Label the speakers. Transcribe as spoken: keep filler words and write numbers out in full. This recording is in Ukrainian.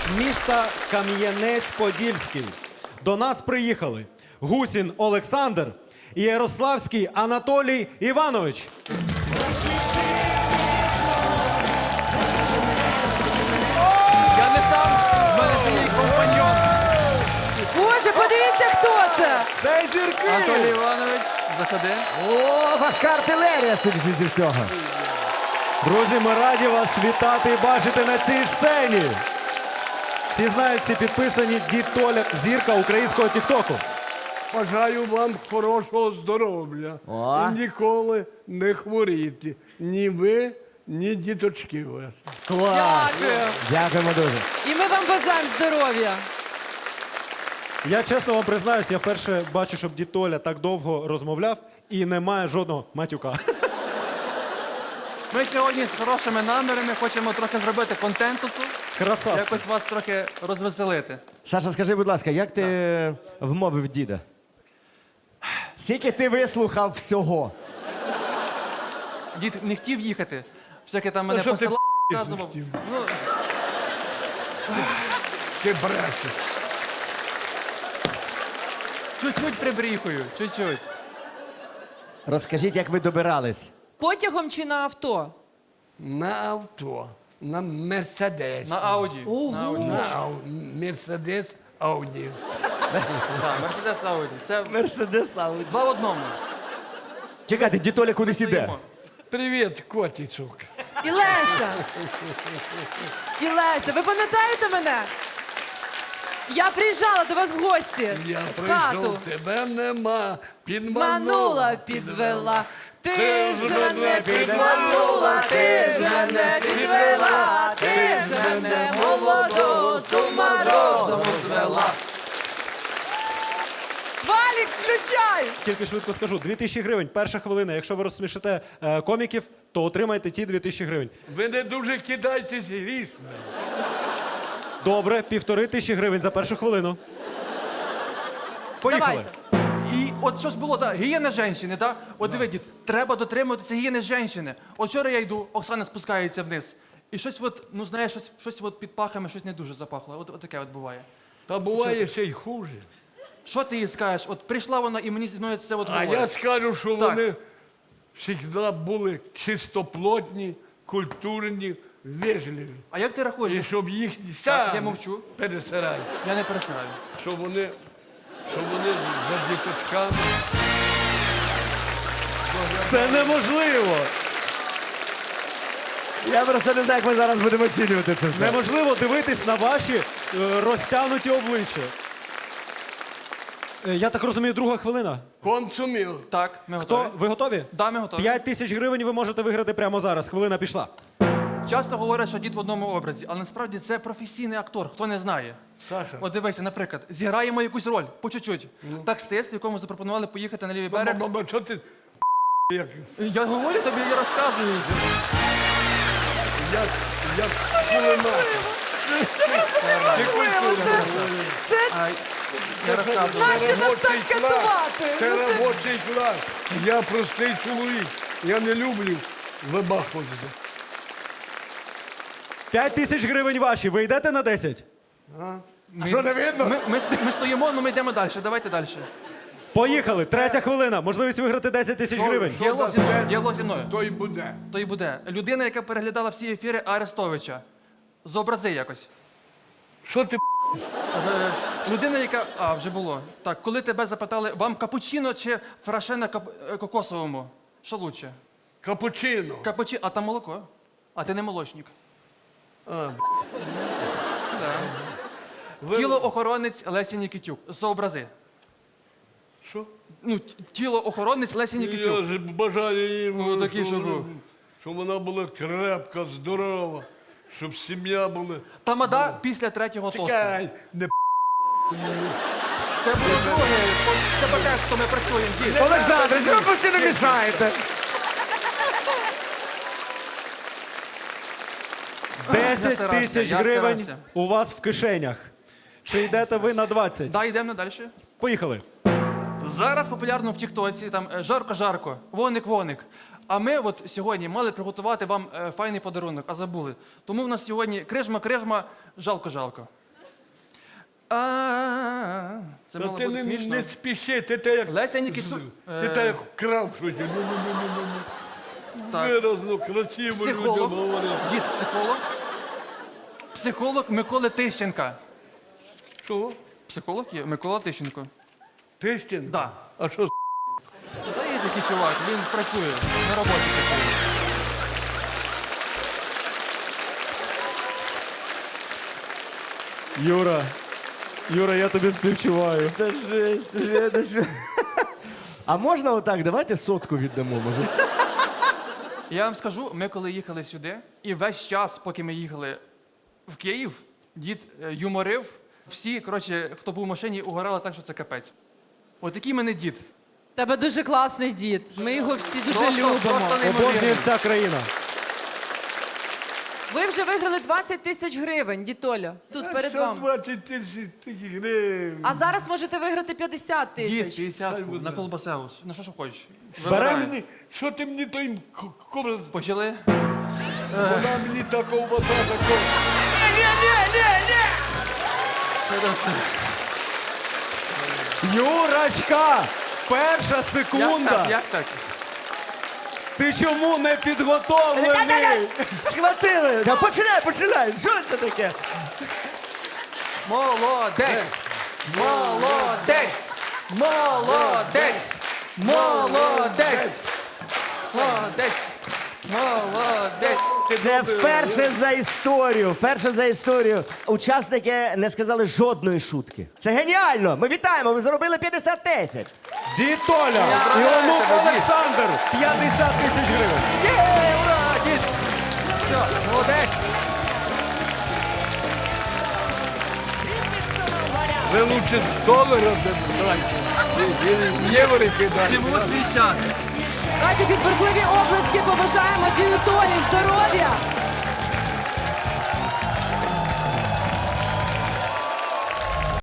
Speaker 1: з міста Кам'янець-Подільський. До нас приїхали Гусін Олександр і Ярославський Анатолій Іванович.
Speaker 2: Я не сам, в мене це мій компаньон.
Speaker 3: Боже, подивіться, хто це!
Speaker 1: Це зірки!
Speaker 2: Анатолій Іванович, заходи.
Speaker 4: О, важка артилерія, судячи зі всього.
Speaker 1: Друзі, ми раді вас вітати і бачити на цій сцені. Всі знають, всі підписані Дід Толя, зірка українського тіктоку.
Speaker 5: Бажаю вам хорошого здоров'я.
Speaker 4: О.
Speaker 5: І ніколи не хворіти. Ні ви, ні діточки ваші.
Speaker 4: Клас.
Speaker 3: Дякую.
Speaker 4: Дякуємо дуже.
Speaker 3: І ми вам бажаємо здоров'я.
Speaker 1: Я чесно вам признаюсь, я вперше бачу, щоб Дід Толя так довго розмовляв і немає жодного матюка.
Speaker 2: Ми сьогодні з хорошими намірами хочемо трохи зробити контентусу,
Speaker 1: Красавці.
Speaker 2: якось вас трохи розвеселити.
Speaker 4: Саша, скажи, будь ласка, як ти вмовив діда? Скільки ти вислухав всього?
Speaker 2: Дід не хотів їхати, всяке там мене
Speaker 5: що ти
Speaker 2: посилав,
Speaker 5: не
Speaker 2: показував.
Speaker 5: хотів?
Speaker 2: Ну,
Speaker 5: Ти брешеш.
Speaker 2: чуть-чуть прибріхую, чуть-чуть.
Speaker 4: Розкажіть, як ви добирались.
Speaker 3: Потягом чи на авто?
Speaker 5: На авто, на Мерседес.
Speaker 2: На Ауді. На Ауді.
Speaker 5: На Ау- Мерседес Ауді.
Speaker 2: Так, Мерседес Ауді. Це
Speaker 4: Мерседес Ауді.
Speaker 2: два в одному.
Speaker 4: Чекайте, дід Толя кудись іде.
Speaker 2: Стоїмо.
Speaker 5: Привіт, котичок.
Speaker 3: І Леся! І Леся, ви пам'ятаєте мене? Я приїжджала до вас в гості.
Speaker 5: Я
Speaker 3: в хату.
Speaker 5: прийшов, тебе нема. Підманула.
Speaker 3: Манула, підвела. Ти ж мене підманула, ти ж мене підвела, ти ж мене молоду з ума розуму звела. Валік, включай!
Speaker 1: Тільки швидко скажу, дві тисячі гривень, перша хвилина. Якщо ви розсмішите е, коміків, то отримаєте ті дві тисячі гривень.
Speaker 5: Ви не дуже кидайтесь грішми.
Speaker 1: Добре, півтори тисячі гривень за першу хвилину. Поїхали.
Speaker 3: Давайте.
Speaker 2: І от що ж було, так, гігієна жінки, так? От диви, дід, треба дотримуватися гігієни жінки. От вчора я йду, Оксана спускається вниз. І щось от, ну знаєш, щось, щось от під пахами, щось не дуже запахло. От, от таке от буває.
Speaker 5: Та буває ще й хуже.
Speaker 2: Що ти їй скажеш? От прийшла вона і мені зі мною це от
Speaker 5: А
Speaker 2: говорить.
Speaker 5: я скажу, що
Speaker 2: Так.
Speaker 5: вони завжди були чистоплотні, культурні, вежливі.
Speaker 2: А як ти рахуєш?
Speaker 5: І щоб їхні
Speaker 2: Так,
Speaker 5: сам
Speaker 2: я мовчу.
Speaker 5: пересирай.
Speaker 2: Я не пересираю.
Speaker 5: Щоб вони, щоб вони за діточками.
Speaker 1: Це неможливо!
Speaker 4: Я просто не знаю, як ми зараз будемо оцінювати це все.
Speaker 1: Неможливо дивитись на ваші е, розтягнуті обличчя. Е, я так розумію, друга хвилина.
Speaker 5: Консумів.
Speaker 2: Так, ми
Speaker 1: То
Speaker 2: готові.
Speaker 1: ви готові?
Speaker 2: Да, ми готові.
Speaker 1: П'ять тисяч гривень ви можете виграти прямо зараз. Хвилина пішла.
Speaker 2: Часто говорять, що дід в одному образі, але насправді це професійний актор, хто не знає.
Speaker 5: Саша.
Speaker 2: От дивися, наприклад, зіграємо якусь роль, по чуть-чуть. Таксист, якому запропонували поїхати на лівий берег.
Speaker 5: Мама, що ти як,
Speaker 2: Я говорю тобі, я розказую.
Speaker 5: як, як кулемет.
Speaker 3: Це
Speaker 2: А, я розказую.
Speaker 3: наші нас так
Speaker 5: Робочий клас.
Speaker 3: катувати.
Speaker 5: Це
Speaker 3: Ну, це-
Speaker 5: робочий клас. Я простий чоловік. Я не люблю вибахувати.
Speaker 1: П'ять тисяч гривень ваші. Ви йдете на десять?
Speaker 2: Ми,
Speaker 5: Що не видно?
Speaker 2: ми, ми, ст- ми стоїмо, але ми йдемо далі. Давайте далі.
Speaker 1: Поїхали. Третя хвилина. Можливість виграти десять тисяч гривень.
Speaker 2: Діалог зі мною. Діалог зі мною.
Speaker 5: То й буде.
Speaker 2: То і буде. Людина, яка переглядала всі ефіри Арестовича. Зобрази якось.
Speaker 5: Що ти
Speaker 2: Е, Людина, яка. А, вже було. Так, коли тебе запитали, вам капучино чи фраше на кап... е, кокосовому? Що лучше?
Speaker 5: капучино?
Speaker 2: Капучино, а там молоко. А ти не молочник.
Speaker 5: А,
Speaker 2: Да.
Speaker 5: ви-
Speaker 2: Тілоохоронець Лесі Нікітюк. Зобрази.
Speaker 5: Що?
Speaker 2: Ну, т- тілоохоронець Лесі
Speaker 5: Я
Speaker 2: Нікітюк.
Speaker 5: ж бажаю їй,
Speaker 2: Ну, такий,
Speaker 5: щоб,
Speaker 2: щоб
Speaker 5: вона-
Speaker 2: був.
Speaker 5: щоб вона була крепка, здорова, щоб сім'я була.
Speaker 2: Тамада після третього тосту.
Speaker 5: Чекай, не
Speaker 2: Це було друге. Це таке, що ми працюємо. Дід.
Speaker 4: Олександр, що ви постійно мішаєте?
Speaker 1: Десять
Speaker 2: старався,
Speaker 1: тисяч
Speaker 2: я
Speaker 1: гривень
Speaker 2: старався.
Speaker 1: у вас в кишенях. Чи йдете ви на двадцять?
Speaker 2: Да, йдемо далі.
Speaker 1: Поїхали.
Speaker 2: Зараз популярно в Тіктоці там е, жарко-жарко, воник-воник. А ми от сьогодні мали приготувати вам е, файний подарунок, а забули. Тому в нас сьогодні крижма-крижма, жалко-жалко. А, це
Speaker 5: Та
Speaker 2: мало
Speaker 5: ти
Speaker 2: бути
Speaker 5: не,
Speaker 2: смішно.
Speaker 5: не спіши, ти те як...
Speaker 2: Леся Нікіту-
Speaker 5: Ти
Speaker 2: е.
Speaker 5: те як вкрав щось. Ну, ну, ну, ну, ну, ну.
Speaker 2: Так.
Speaker 5: Виразно, красиво людям
Speaker 2: Психолог.
Speaker 5: говорити.
Speaker 2: Дід, психолог. Психолог Миколи Тищенка.
Speaker 5: Що?
Speaker 2: Психолог є? Микола Тищенко.
Speaker 5: Тищин?
Speaker 2: Да.
Speaker 5: А що?
Speaker 2: Та є такий чувак, він працює, на роботі працює.
Speaker 1: Юра, Юра, я тобі співчуваю.
Speaker 4: Та жесть, вже, та що? А можна отак? Давайте сотку віддамо, може.
Speaker 2: Я вам скажу, ми коли їхали сюди, і весь час, поки ми їхали в Київ, дід е, юморив. Всі, коротше, хто був в машині, угорали так, що це капець. От такий мене дід.
Speaker 3: Тебе дуже класний дід. Ми його всі дуже
Speaker 2: Просто-
Speaker 3: любимо.
Speaker 2: просто
Speaker 1: Обожнює
Speaker 2: неймовірно.
Speaker 1: вся країна.
Speaker 3: Ви вже виграли двадцять тисяч гривень, дід Толя. Тут перед
Speaker 5: Що
Speaker 3: вами.
Speaker 5: двадцять тисяч таких гривень?
Speaker 3: А зараз можете виграти п'ятдесят
Speaker 2: Дід,
Speaker 3: тисяч.
Speaker 2: п'ятдесят на колбасеус. На що, що хочеш.
Speaker 5: Бере
Speaker 2: Вибирай.
Speaker 5: мені, що ти мені той кобра...
Speaker 2: Почали?
Speaker 5: Вона мені та ковбаса, такого.
Speaker 1: Юрочка! Перша
Speaker 2: Як
Speaker 1: секунда!
Speaker 2: так? Як так?
Speaker 1: Ти чому не підготовлений?
Speaker 4: Схватили! Та починай, починай! Що це таке?
Speaker 2: Молодець! Молодець! Молодець! Молодець! Молодець! Молодець!
Speaker 4: Це вперше за історію. Вперше за історію. Учасники не сказали жодної шутки. Це геніально! Ми вітаємо! Ви заробили п'ятдесят тисяч.
Speaker 1: Дід Толя! Іонук Олександр! п'ятдесят тисяч гривень!
Speaker 2: Є, ура, дід! Все, молодець!
Speaker 5: Ви лучше з долара дайте. Євро кидайте.
Speaker 2: Живу свій час!
Speaker 3: Давайте під бурхливі облески побажаємо діду Толі здоров'я,